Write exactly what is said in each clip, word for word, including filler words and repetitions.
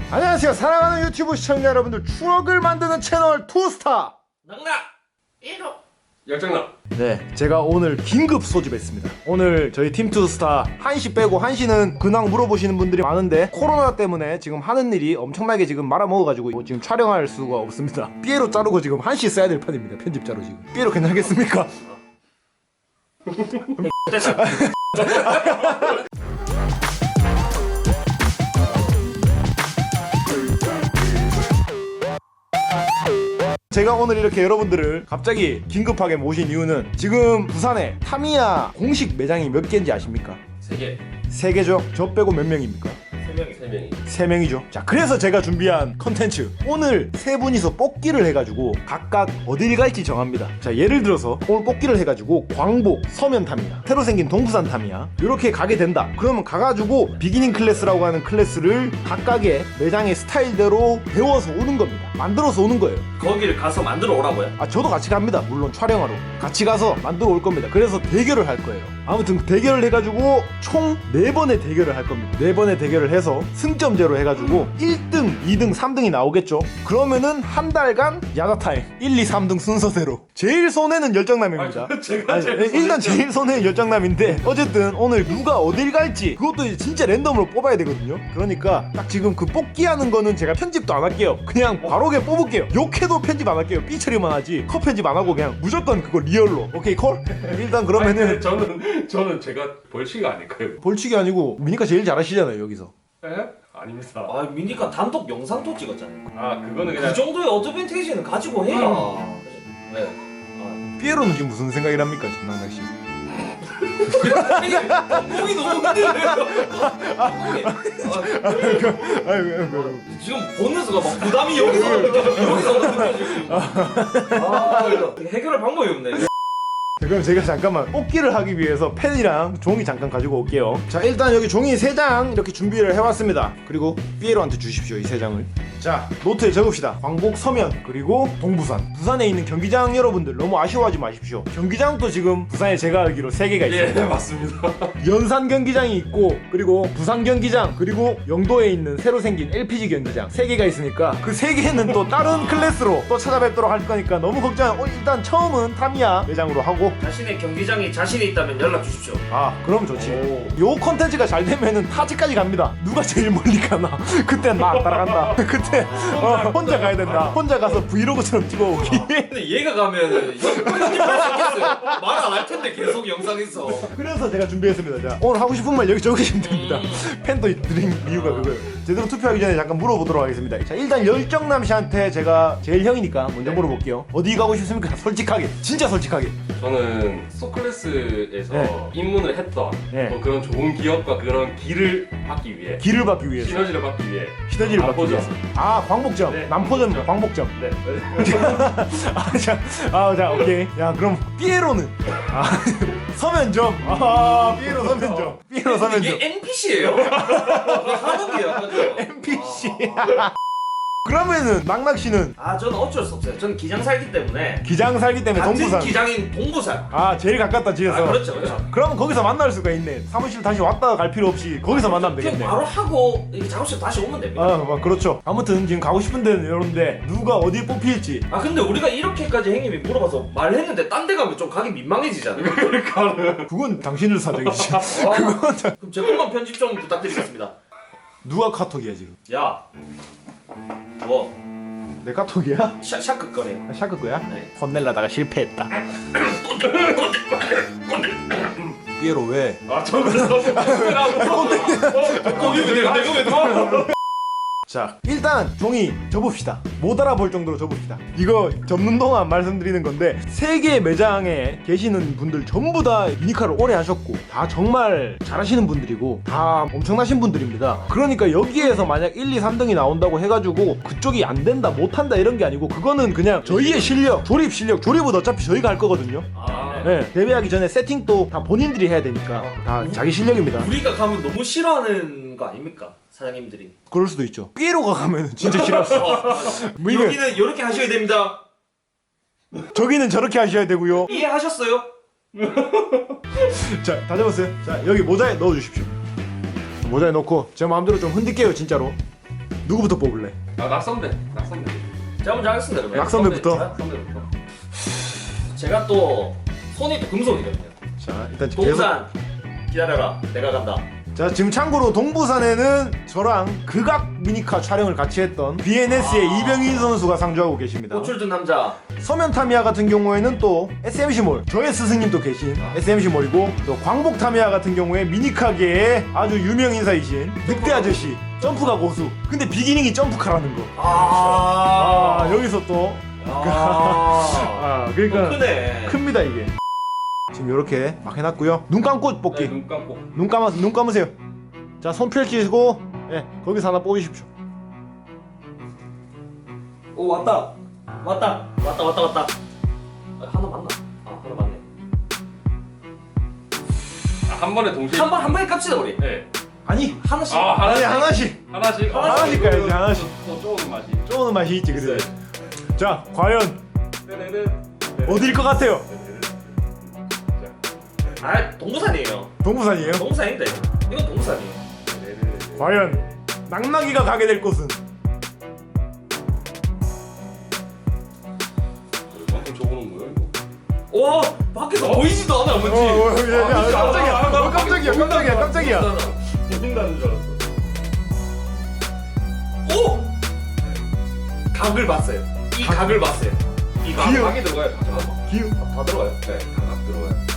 안녕하세요. 사랑하는 유튜브 시청자 여러분들, 추억을 만드는 채널 투스타 낙낙 일 호 열정남. 네, 제가 오늘 긴급 소집했습니다. 오늘 저희 팀 투스타 한시 빼고, 한시는 근황 물어보시는 분들이 많은데 코로나 때문에 지금 하는 일이 엄청나게 지금 말아먹어가지고 뭐 지금 촬영할 수가 없습니다. 삐에로 자르고 지금 한시 써야 될 판입니다. 편집자로 지금. 삐에로 괜찮겠습니까? 제가 오늘 이렇게 여러분들을 갑자기 긴급하게 모신 이유는, 지금 부산에 타미야 공식 매장이 몇 개인지 아십니까? 세 개. 세 개죠? 저 빼고 몇 명입니까? 세 명이. 세 명이. 세 명이죠. 자, 그래서 제가 준비한 컨텐츠, 오늘 세 분이서 뽑기를 해가지고 각각 어딜 갈지 정합니다. 자, 예를 들어서 오늘 뽑기를 해가지고 광복, 서면 타미야, 새로 생긴 동부산 타미야 이렇게 가게 된다. 그러면 가가지고 비기닝 클래스라고 하는 클래스를 각각의 매장의 스타일대로 배워서 오는 겁니다. 만들어서 오는 거예요. 거기를 가서 만들어 오라고요? 아, 저도 같이 갑니다. 물론 촬영하러 같이 가서 만들어 올 겁니다. 그래서 대결을 할 거예요. 아무튼 대결을 해가지고 총 네 번의 대결을 할 겁니다. 네 번의 대결을 해서 승점제로 해가지고 일 등, 이 등, 삼 등이 나오겠죠. 그러면은 한 달간 야자타임 일, 이, 삼 등 순서대로. 제일 손해는 열정남입니다. 아, 제가 아니, 제일 일단 손해죠. 제일 손해는 열정남인데, 어쨌든 오늘 누가 어딜 갈지 그것도 이제 진짜 랜덤으로 뽑아야 되거든요. 그러니까 딱 지금 그 뽑기하는 거는 제가 편집도 안 할게요. 그냥 바로게 뽑을게요. 욕해도 편집 안 할게요. 삐처리만 하지 컷 편집 안 하고 그냥 무조건 그거 리얼로. 오케이 콜? 일단 그러면은 아니, 저는 저는 제가 벌칙이 아닐까요? 벌칙이 아니고 미니까 제일 잘하시잖아요 여기서. 에? 아닙니다. 아 미니까 단독 영상도 찍었잖아요. 아 그거는 그 그냥 정도의 어드밴티지는 가지고 해야. 네. 삐에로는 지금 무슨 생각이랍니까 장난낚시? 몸이 너무 흔들려요. 아이고, 지금 보면서가 막 부담이 여기서 여기서 느껴지고. 아 이거 해결할 방법이 없네. 그럼 제가 잠깐만 뽑기를 하기 위해서 펜이랑 종이 잠깐 가지고 올게요. 자, 일단 여기 종이 세 장 이렇게 준비를 해왔습니다. 그리고 삐에로한테 주십시오, 이 세 장을. 자, 노트에 적읍시다. 광복, 서면, 그리고 동부산. 부산에 있는 경기장 여러분들 너무 아쉬워하지 마십시오. 경기장도 지금 부산에 제가 알기로 세 개가 있습니다. 예 맞습니다. 연산 경기장이 있고, 그리고 부산 경기장, 그리고 영도에 있는 새로 생긴 엘피지 경기장 세 개가 있으니까 그 세 개는 또 다른 클래스로 또 찾아뵙도록 할 거니까 너무 걱정. 어, 일단 처음은 타미야 매장으로 하고. 자신의 경기장이 자신이 있다면 연락 주십시오. 아, 그럼 좋지. 요 컨텐츠가 잘 되면은 타지까지 갑니다. 누가 제일 멀리 가나? 그때 나 안 따라간다. 그때 어, 혼자 가야 된다. 혼자 가서 브이로그처럼 찍어오기. 근데 얘가 가면은 편집할 수 있겠어요. 말 안 할 텐데 계속 영상에서. 그래서 제가 준비했습니다. 자, 오늘 하고 싶은 말 여기 적으시면 됩니다. 펜도 드린 이유가 그거예요. 제대로 투표하기 전에 잠깐 물어보도록 하겠습니다. 자, 일단 열정남 씨한테 제가 제일 형이니까 먼저 물어볼게요. 어디 가고 싶습니까? 솔직하게, 진짜 솔직하게. 저는 소클래스에서 네. 입문을 했던 네. 뭐 그런 좋은 기업과 그런 길을 받기 위해 길을 받기 위해서, 시너지를 받기 위해 시너지를 받기 남포점. 위해서. 아, 광복점, 네. 남포점, 광복점. 네. 아, 자, 아, 자, 오케이. 야, 그럼 삐에로는 아, 서면점. 아, 삐에로 서면점. 삐에로 서면점. 이게 엔피씨예요? 하는 게 약간 좀. 엔피씨. 그러면은 낙낙 씨는 아 저는 어쩔 수 없어요. 저는 기장 살기 때문에 기장 살기 때문에 같은 동부산. 기장인 동부산. 아, 제일 가깝다 지에서. 아 그렇죠 그렇죠. 그러면 거기서 만날 수가 있네. 사무실 다시 왔다 갈 필요 없이 거기서 만나면 그냥 되겠네. 바로 하고 이렇게 작업실 다시 오면 됩니다. 아, 뭐 그렇죠. 아무튼 지금 가고 싶은 데는 이런데 누가 어디 뽑힐지. 아 근데 우리가 이렇게까지 행님이 물어봐서 말했는데 딴 데 가면 좀 가기 민망해지잖아요. 그건 당신들 사정이지. 아, 그럼 제 것만 편집 좀 부탁드리겠습니다. 누가 카톡이야 지금? 야, 뭐 내 카톡이야? 샤, 샤크거래요. 아, 샤크 거야? 네. 혼내려다가 실패했다. 삐에로 왜? 아 저는 거기 왜 내가 내가 왜 들어? 자, 일단 종이 접읍시다. 못 알아볼 정도로 접읍시다. 이거 접는 동안 말씀드리는 건데, 세계 매장에 계시는 분들 전부 다 미니카를 오래 하셨고 다 정말 잘하시는 분들이고 다 엄청나신 분들입니다. 그러니까 여기에서 만약 일, 이, 삼 등이 나온다고 해가지고 그쪽이 안 된다, 못한다 이런 게 아니고, 그거는 그냥 저희의 실력, 조립 실력, 조립은 어차피 저희가 할 거거든요. 아, 네, 데뷔하기 전에 세팅도 다 본인들이 해야 되니까 다 자기 실력입니다. 우리가 가면 너무 싫어하는 거 아닙니까? 사장님들이. 그럴 수도 있죠. 삐에로가 가면은 진짜 싫었어. 뭐 이게 여기는 이렇게 하셔야 됩니다. 저기는 저렇게 하셔야 되고요. 이해하셨어요? 자, 다 잡았어요. 자, 여기 모자에 넣어주십시오. 모자에 넣고 제 마음대로 좀 흔들게요, 진짜로. 누구부터 뽑을래? 아 낙선대. 낙선대. 제가 먼저 하겠습니다. 그러면. 낙선배부터? 낙선대부터. 제가 또 손이 또 금손이거든요. 자 일단 지금 계속 동산 기다려라. 내가 간다. 자 지금 참고로 동부산에는 저랑 극악 미니카 촬영을 같이 했던 비엔에스의 아. 이병인 선수가 상주하고 계십니다. 꽃을 든 남자. 서면 타미야 같은 경우에는 또 에스엠씨몰 저의 스승님도 계신 에스엠씨몰이고 또 광복 타미야 같은 경우에 미니카계의 아주 유명 인사이신 늑대 아저씨 점프가 고수. 근데 비기닝이 점프카라는 거. 아, 아 여기서 또 아, 아, 그러니까 또 크네. 큽니다 이게. 지금 이렇게 막 해놨고요. 눈 감고 뽑기. 네, 눈 감고. 눈 감아 눈 감으세요. 자 손 펼치시고 예 거기서 하나 뽑으십시오. 오 왔다. 왔다. 왔다 왔다 왔다. 아, 하나 맞나? 아 하나 맞네. 아, 한 번에 동시에. 한 번 한 번에 깝치다 우리. 네. 아니 하나씩. 아 아니 하나씩. 하나씩 하나씩. 하나씩 가야지, 하나씩. 또 좋은 맛이. 쪼는 맛이 있지 그래. 자 과연 떼레르. 어디일 것 같아요? 아 동부산이에요. 동부산이에요? 동부산인데 이건 동부산이에요. 과연 낙나기가 가게 될 곳은 이만큼 적어놓은 거야 이거? 오 밖에서 보이지도 않아 어, 뭔지. 어, 야, 야, 아, 깜짝이야. 아, 아, 어, 깜짝이야, 깜짝이야, 깜짝이야. 보인다는 줄 알았어. 오 각을 봤어요. 이 각. 각을 봤어요. 이 각. 귀여워. 각이 들어가요. 잠깐만. 기우. 다 들어가요. 네, 각 들어가요.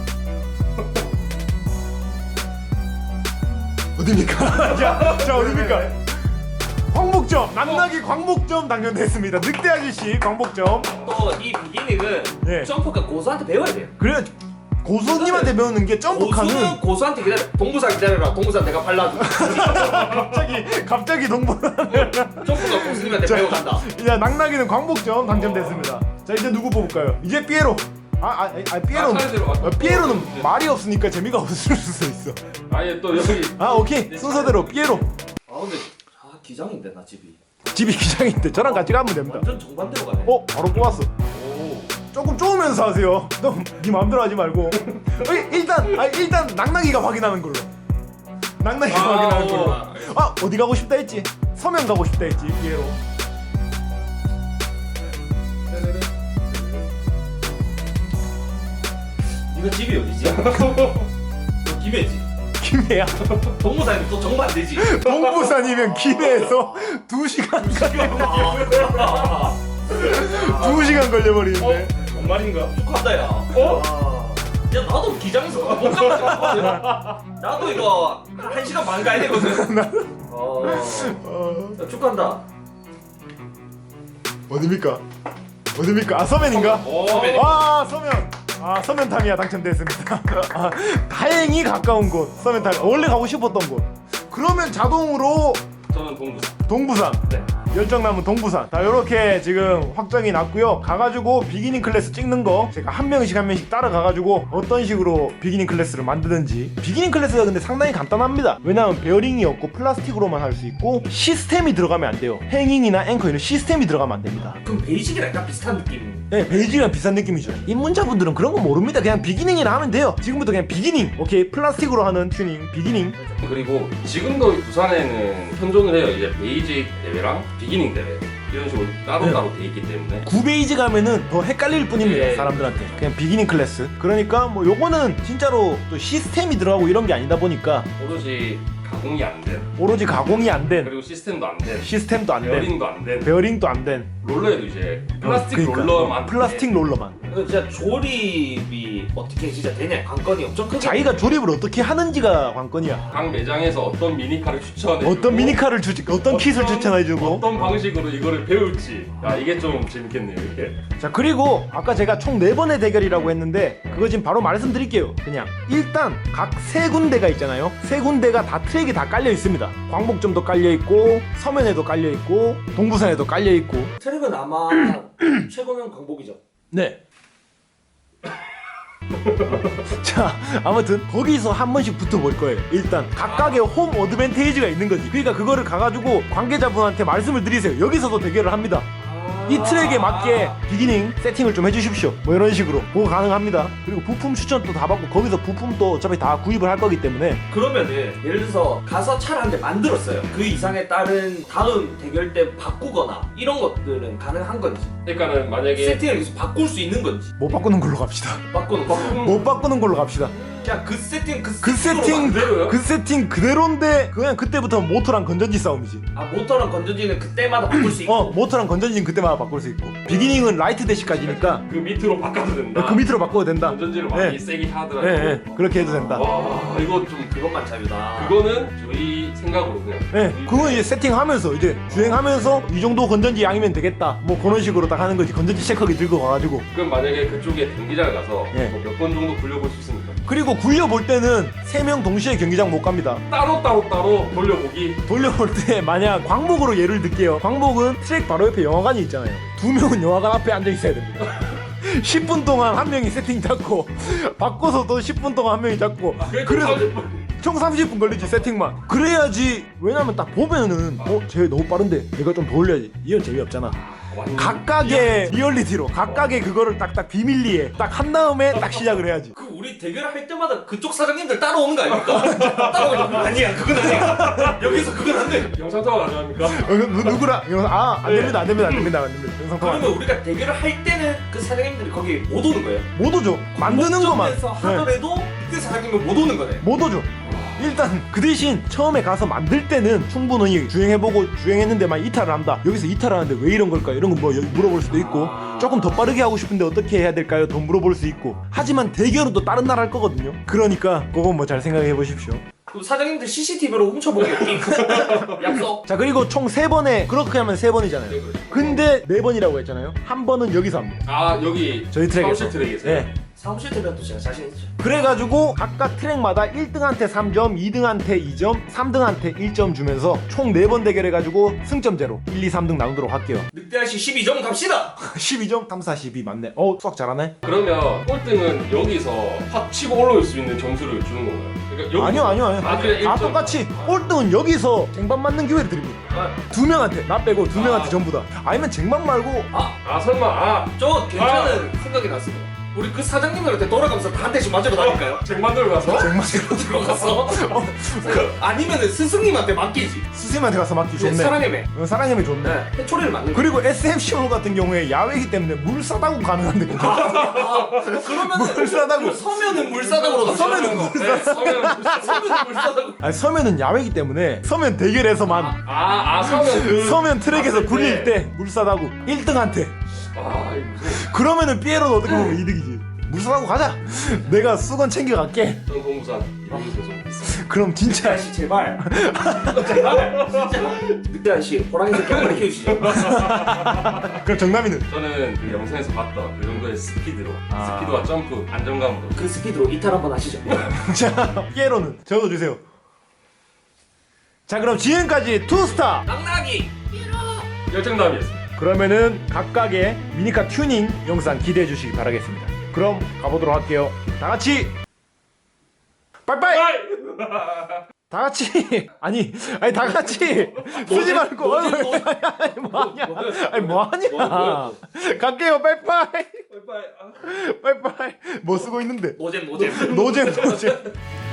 어딥니까? 자, 자 어딥니까? 광복점 낙나기 광복점 당첨됐습니다. 늑대 아저씨 광복점. 또 이 비기닝은 예. 점프가 고수한테 배워야 돼요. 그래 고수님한테 배우는 게 고수는 점프카는 고수한테 기다려. 동부산 기다려라. 동부산 내가 발라줘. 갑자기 갑자기 동부. 점프가 고수님한테 자. 배워간다. 야 낙나기는 광복점 당첨됐습니다. 자 이제 누구 뽑을까요? 이제 삐에로. 아, 아, 아 삐에로는 아, 차례대로 갈까? 어, 삐에로는 말이 없으니까 재미가 없을 수도 있어. 아예 또 여기. 아 오케이 순서대로 삐에로. 아 근데 아 기장인데 나 집이. 집이 기장인데 저랑 같이 가면 됩니다. 완전 정반대로 가네. 어 바로 뽑았어. 오. 조금 쪼으면서 하세요. 너네 맘대로 하지 말고. 어, 일단 아 일단 낙나기가 확인하는 걸로. 낙나기가 아, 확인하는 걸로. 어. 아 어디 가고 싶다 했지? 서면 가고 싶다 했지 삐에로. 네가 집이 어디지? 너 김해지. 김해야. 동부산이 또 정반대지. 동부산이면 김해에서 두 시간 아, 두 시간 걸려버리는데. 뭔 말인가? 축하한다 야. 어? 야 나도 기장에서 못 가거든. 나도 이거 한 시간 반 가야 되거든. 어. 어, 야, 축하한다. 어딥니까? 어딥니까? 아 서면인가? 오. 서면. 아 서면. 아 서면 타미야 당첨됐습니다. 아, 다행히 가까운 곳 서면 타미. 원래 가고 싶었던 곳. 그러면 자동으로 저는 동부산. 동부산. 네. 열정 남은 동부산. 자 요렇게 지금 확정이 났고요. 가가지고 비기닝 클래스 찍는 거 제가 한 명씩 한 명씩 따라가가지고 어떤 식으로 비기닝 클래스를 만드는지. 비기닝 클래스가 근데 상당히 간단합니다. 왜냐하면 베어링이 없고 플라스틱으로만 할 수 있고 시스템이 들어가면 안 돼요. 행잉이나 앵커 이런 시스템이 들어가면 안 됩니다. 그럼 베이직이랑 약간 비슷한 느낌. 네, 베이직이랑 비슷한 느낌이죠. 입문자분들은 그런 거 모릅니다. 그냥 비기닝이라 하면 돼요. 지금부터 그냥 비기닝. 오케이 플라스틱으로 하는 튜닝 비기닝. 그리고 지금도 부산에는 현존을 해요. 이제 베이직 대회랑 비기닝 대회 이런 식으로 따로따로 돼 있기 때문에. 구베이지 가면은 더 헷갈릴 뿐입니다. 네. 사람들한테. 그냥 비기닝 클래스. 그러니까 뭐 요거는 진짜로 또 시스템이 들어가고 이런 게 아니다 보니까 오로지 가공이 안 된, 오로지 가공이 안 된, 그리고 시스템도 안 된, 시스템도 안 된, 베어링도 안 된, 베어링도 안 된 롤러에도 이제 플라스틱 그러니까. 롤러만. 플라스틱 롤러만. 이거 진짜 조립이 어떻게 진짜 되냐 관건이 엄청 크게. 자기가 조립을 어떻게 하는지가 관건이야. 각 매장에서 어떤 미니카를 추천해. 어떤 미니카를 주지, 어떤 킷을 추천해주고. 어떤 방식으로 이거를 배울지. 야 이게 좀 재밌겠네요 이게. 자 그리고 아까 제가 총 네 번의 대결이라고 했는데 그거 지금 바로 말씀드릴게요. 그냥 일단 각 세 군데가 있잖아요. 세 군데가 다 트랙이 다 깔려 있습니다. 광복점도 깔려 있고 서면에도 깔려 있고 동부산에도 깔려 있고. 트랙은 아마 최고면 광복이죠. 네. 자 아무튼 거기서 한 번씩 붙어볼 거예요. 일단 각각의 홈 어드밴테이지가 있는 거지. 그러니까 그거를 가가지고 관계자분한테 말씀을 드리세요. 여기서도 대결을 합니다. 아 이 트랙에 맞게 비기닝 세팅을 좀 해주십시오. 뭐 이런 식으로 그거 가능합니다. 그리고 부품 추천도 다 받고 거기서 부품도 어차피 다 구입을 할 거기 때문에 그러면은 예를 들어서 가서 차를 한 대 만들었어요. 그 이상에 따른 다음 대결 때 바꾸거나 이런 것들은 가능한 건지, 그러니까는 만약에 세팅을 계속 바꿀 수 있는 건지. 못 바꾸는 걸로 갑시다. 바꾸는 바꾸는 못 바꾸는 걸로 갑시다. 그냥 그 세팅 그, 그 세팅 그대로요? 그 세팅 그대로인데 그냥 그때부터 모터랑 건전지 싸움이지. 아 모터랑 건전지는 그때마다 바꿀 수 있고. 어 모터랑 건전지는 그때마다 바꿀 수 있고 비기닝은 라이트 대시까지니까 그 밑으로 바꿔도 된다. 그 밑으로 바꿔도 된다. 건전지를 네. 많이 세게 하더라도. 네, 네 그렇게 해도 된다. 와 이거 좀 그것만 자유다. 그거는 저희 생각으로 그냥. 네, 그건 이제 세팅하면서 이제 주행하면서 이 정도 건전지 양이면 되겠다. 뭐 그런 식으로 딱 하는 거지. 건전지 체크기 들고 가가지고. 그럼 만약에 그쪽에 경기장 가서 예. 뭐 몇 번 정도 굴려볼 수 있습니까? 그리고 굴려볼 때는 세 명 동시에 경기장 못 갑니다. 따로 따로 따로 돌려보기. 돌려볼 때 만약 광복으로 예를 들게요. 광복은 트랙 바로 옆에 영화관이 있잖아요. 두 명은 영화관 앞에 앉아 있어야 됩니다. 십 분 동안 한 명이 세팅 잡고 바꿔서 또 십 분 동안 한 명이 잡고 그래서 총 삼십 분 걸리지 세팅만. 그래야지. 왜냐면 딱 보면은 어? 쟤 너무 빠른데 내가 좀 더 올려야지. 이건 재미없잖아. 완전 각각의 리얼리티로 각각의 그거를 딱딱 비밀리에 딱 한 다음에 딱 시작을 해야지. 그 우리 대결할 때마다 그쪽 사장님들 따라오는 거 아닙니까? 따라오는 거 아니야. 그건 아니야. 여기서 그건 안 돼. 영상 통화 가능합니까? 어, 누, 누구랑 아 안됩니다 안됩니다 안됩니다 안됩니다 영상 통화 그러면 우리가 대결을 할 때는 그 사장님들이 거기 못 오는 거예요? 못 오죠. 만드는 것만 목적에서 네. 하더라도 그때 사장님은 못 오는 거네. 못 오죠. 일단 그 대신 처음에 가서 만들 때는 충분히 주행해보고 주행했는데만 이탈을 한다. 여기서 이탈을 하는데 왜 이런 걸까? 이런 거 뭐 물어볼 수도 있고 조금 더 빠르게 하고 싶은데 어떻게 해야 될까요? 더 물어볼 수 있고. 하지만 대결은 또 다른 나라 할 거거든요. 그러니까 그건 뭐 잘 생각해 보십시오. 그럼 사장님들 씨씨티비로 훔쳐보겠기. 약속. 자 그리고 총 세 번에 그렇게 하면 세 번이잖아요. 네, 그렇죠. 근데 네 번이라고 했잖아요. 한 번은 여기서 합니다. 아 여기 저희 트랙에서. 사무실 트랙에서. 네. 사무실 대변도 제가 자신 있죠. 그래가지고 각각 트랙마다 일 등한테 삼 점, 이 등한테 이 점, 삼 등한테 일 점 주면서 총 네 번 대결해가지고 승점제로 일, 이, 삼 등 나누도록 할게요. 늑대아씨 십이 점 갑시다. 십이 점, 삼, 사, 십이 맞네. 어 수학 잘하네. 그러면 꼴등은 여기서 확 치고 올라올 수 있는 점수를 주는 건가요? 그러니까 여기서- 아니요 아니요 아니요. 아, 그래, 아 일 점. 똑같이 꼴등은 여기서 쟁반 맞는 기회를 드립니다. 아, 두 명한테 나 빼고 두 명한테 아. 전부 다. 아니면 쟁반 말고 아, 아 설마 아 저 괜찮은 생각이 났습니다. 우리 그 사장님들한테 돌아가면서 다 한 대씩 맞으러 다닐까요? 쟁반들 가서 쟁반 들어가서 그, 아니면은 스승님한테 맡기지. 스승님한테 가서 맡기 네, 좋네. 사랑해매. 어, 사랑님이 좋네. 네, 해초리를 맞는 거. 그리고 에스엠씨홀 같은 경우에 야외이기 때문에 물 싸다고 가능한데 괜찮아. 아, 그러면은 물 싸다고. 서면은 물사닥으로 서면은 물 네, 서면 서면은 물사닥. 아니 서면은 야외이기 때문에 서면 대결에서만 아아 서면 그 서면 트랙에서 봤을 굴릴 때 물 싸다고 일 등한테. 아 이거 무슨 그러면은 삐에로는 어떻게 보면 이득이지. 물 싸다고 가자. 내가 수건 챙겨갈게. 전 공부산 이름이 계속 있어. 그럼 진짜 늑대아씨 제발. 제발. 진짜. 늑대아씨 호랑이 새끼 한 마리 키우시죠. 그럼 정남이는 저는 그 영상에서 봤던 그 정도의 스피드로 아. 스피드와 점프 안정감으로 그 스피드로 이탈 한번 하시죠. 자 삐에로는 적어주세요. 자 그럼 지금까지 투스타. 낙낙이. 열정남이었습니다. 그러면은 각각의 미니카 튜닝 영상 기대해 주시기 바라겠습니다. 그럼 가보도록 할게요. 다 같이 빠이빠이. 다 같이 아니 아니 다 같이 쓰지 말고 노잼, 아니, 노잼. 아니 뭐하냐 아니 뭐하냐 뭐야? 갈게요 빠이빠이 빠이빠이. 아. 빠이빠이 뭐 쓰고 있는데 노잼 노잼. 노잼 노잼